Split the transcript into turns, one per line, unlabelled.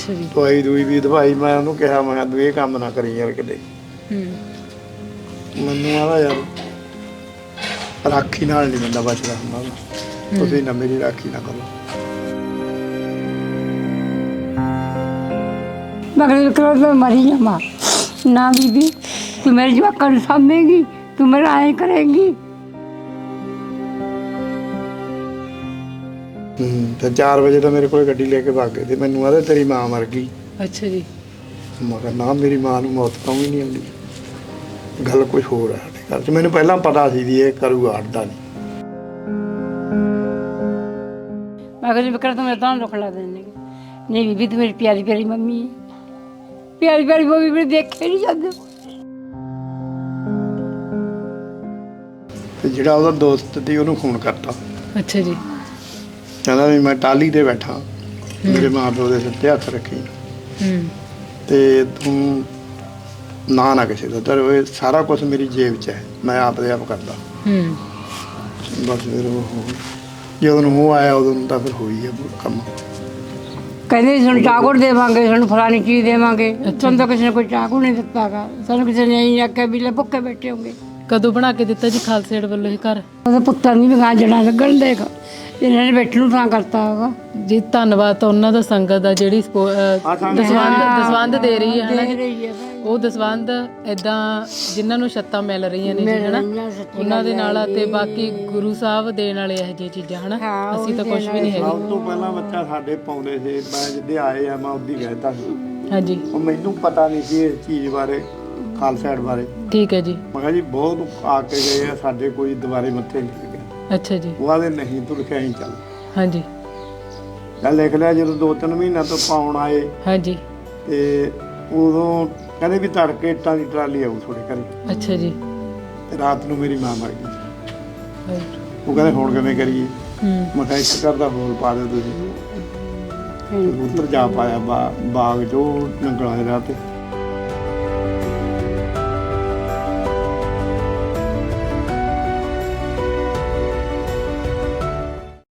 ਅੱਛਾ ਜੀ।
ਦਵਾਈ ਦੂਈ ਵੀ ਦਵਾਈ ਮੈਂ ਉਹਨੂੰ ਕਿਹਾ ਮੈਂ ਤੂੰ ਇਹ ਕੰਮ ਨਾ ਕਰੀ ਯਾਰ ਕਿਤੇ। ਮੈਨੂੰ ਆਦਾ ਯਾਰ ਰਾਖੀ ਨਾਲ ਨਹੀਂ ਬੰਦਾ ਬਚਦਾ ਹੁੰਦਾ, ਤੁਸੀਂ ਨਾ ਮੇਰੀ ਰਾਖੀ ਨਾ ਕਰੋ।
मगर करो तो मरी जामा ना बीबी, तू मेरे जवाक सामेगी, तू मेरा आए करेगी।
ਤੇ 4 ਵਜੇ ਤਾਂ ਮੇਰੇ ਕੋਲ ਗੱਡੀ ਲੈ ਕੇ ਭੱਗ ਗਏ ਤੇ ਮੈਨੂੰ ਆਦਾ ਤੇਰੀ ਮਾਂ ਮਰ ਗਈ।
ਅੱਛਾ ਜੀ।
ਮੈਂ ਕਿਹਾ ਨਾ ਮੇਰੀ ਮਾਂ ਨੂੰ ਮੌਤ ਤਾਂ ਵੀ ਨਹੀਂ ਆਉਂਦੀ, ਗੱਲ ਕੁਝ ਹੋਰ ਹੈ ਸਾਡੇ ਘਰ 'ਚ। ਮੈਨੂੰ ਪਹਿਲਾਂ ਪਤਾ ਸੀ ਵੀ ਇਹ ਕਰੂਗਾ, ਹਟਦਾ ਨਹੀਂ।
मगर विक्र तो मेरे तो दुख ला देने नहीं बीबी, तू मेरी प्यारी प्यारी मम्मी है, प्यारी प्यारी मम्मी मेरे देखे नहीं जाते।
ਤੇ ਜਿਹੜਾ ਉਹਦਾ ਦੋਸਤ ਸੀ ਉਹਨੂੰ ਫੋਨ ਕਰਤਾ,
ਅੱਛਾ ਜੀ।
ਕਹਿੰਦਾ ਵੀ ਮੈਂ ਟਾਹਲੀ ਤੇ ਬੈਠਾ, ਮੇਰੇ ਮਾਂ ਪਿਓ ਦੇ ਸਿਰ ਤੇ ਹੱਥ ਰੱਖੀ ਤੇ ਤੂੰ ਨਾ ਕਿਸੇ ਦਾ, ਤੇ ਸਾਰਾ ਕੁਝ ਮੇਰੀ ਜੇਬ 'ਚ ਹੈ, ਮੈਂ ਆਪ ਦੇ ਆਪ ਕਰਦਾ। ਬਸ ਫਿਰ ਉਹ ਜਦੋਂ ਨੂੰ ਉਹ ਆਇਆ ਉਦੋਂ ਨੂੰ ਤਾਂ ਫਿਰ ਹੋਈ ਹੈ ਕੰਮ।
कहते सानू चाकुर देवांगे, सानू फलानी चीज देवांगे, तुम तो किसी ने कोई चाकू नहीं दिता गा, सानू किसी ने नहीं आख्या भी ले भुखे बैठे होंगे।
ਕਦੋਂ ਬਣਾ ਕੇ ਦਿੱਤਾ ਜੀ ਖਾਲਸਾ ਏਡ ਵੱਲੋਂ ਇਹ ਘਰ?
ਉਹਦੇ ਪੁੱਤਰ ਨਹੀਂ ਵੀ ਗਾਂ ਜਣਾ ਲੱਗਣ ਦੇਖ, ਇਹਨਾਂ ਨੇ ਬੈਠਣ ਨੂੰ ਤਾਂ ਕਰਤਾ ਹੋਗਾ
ਜੀ। ਧੰਨਵਾਦ ਤਾਂ ਉਹਨਾਂ ਦਾ ਸੰਗਤ ਦਾ ਜਿਹੜੀ ਦਸਵੰਧ ਦੇ ਰਹੀ ਹੈ ਹਨਾ ਜੀ। ਉਹ ਦਸਵੰਧ ਏਦਾਂ ਜਿਨ੍ਹਾਂ ਨੂੰ ਛੱਤਾਂ ਮਿਲ ਰਹੀਆਂ ਨੇ ਜੀ ਹਨਾ, ਉਹਨਾਂ ਦੇ ਨਾਲ, ਤੇ ਬਾਕੀ ਗੁਰੂ ਸਾਹਿਬ ਦੇਣ ਵਾਲੇ ਇਹੋ ਜਿਹੀਆਂ ਚੀਜ਼ਾਂ ਹਨਾ। ਅਸੀਂ ਤਾਂ ਕੁਝ ਵੀ ਨਹੀਂ ਹੈਗੇ।
ਸਭ ਤੋਂ ਪਹਿਲਾਂ ਬੱਚਾ ਸਾਡੇ ਪਾਉਂਦੇ ਸੀ, ਮੈਂ ਜਿੱਦੇ ਆਏ ਆ ਮੈਂ ਉਦੋਂ ਕਹਿਤਾ ਸੀ।
ਹਾਂਜੀ।
ਉਹ ਮੈਨੂੰ ਪਤਾ ਨਹੀਂ ਸੀ ਇਸ ਚੀਜ਼ ਬਾਰੇ, ਖਾਲਸਾ ਏਡ ਬਾਰੇ।
ਠੀਕ ਹੈ ਜੀ।
ਮੈਂ ਕਿਹਾ ਜੀ ਬਹੁਤ ਆ ਕੇ ਗਏ ਆ ਸਾਡੇ, ਕੋਈ ਦੁਬਾਰੇ ਮੱਥੇ ਨਹੀਂ ਲੱਗੇ।
ਅੱਛਾ ਜੀ।
ਉਹ ਆਦੇ ਨਹੀਂ ਤੂੰ ਲਿਖਿਆ ਹੀ ਚੱਲ।
ਹਾਂਜੀ।
ਗੱਲ ਲਿਖ ਲਿਆ। ਜਦੋਂ 2-3 ਮਹੀਨਿਆਂ ਤੋਂ ਪਾਉਣ ਆਏ
ਹਾਂਜੀ।
ਤੇ ਉਦੋਂ ਕਹਿੰਦੇ ਵੀ ਤੜਕੇ ਇੱਟਾਂ ਦੀ ਟਰਾਲੀ ਆਊ ਤੁਹਾਡੇ ਘਰੇ।
ਅੱਛਾ ਜੀ।
ਤੇ ਰਾਤ ਨੂੰ ਮੇਰੀ ਮਾਂ ਮਰ ਗਈ। ਉਹ ਕਹਿੰਦੇ ਹੁਣ ਕਿਵੇਂ ਕਰੀਏ? ਮੈਂ ਕਿਹਾ ਇੱਕ ਘਰ ਦਾ ਹੋਰ ਪਾ ਦਿਓ ਤੁਸੀਂ। ਉੱਧਰ ਜਾ ਪਾਇਆ ਬਾਗ ਜੋ ਨੰਗਲਾਂ ਦੇ ਰਾਹ ਤੇ।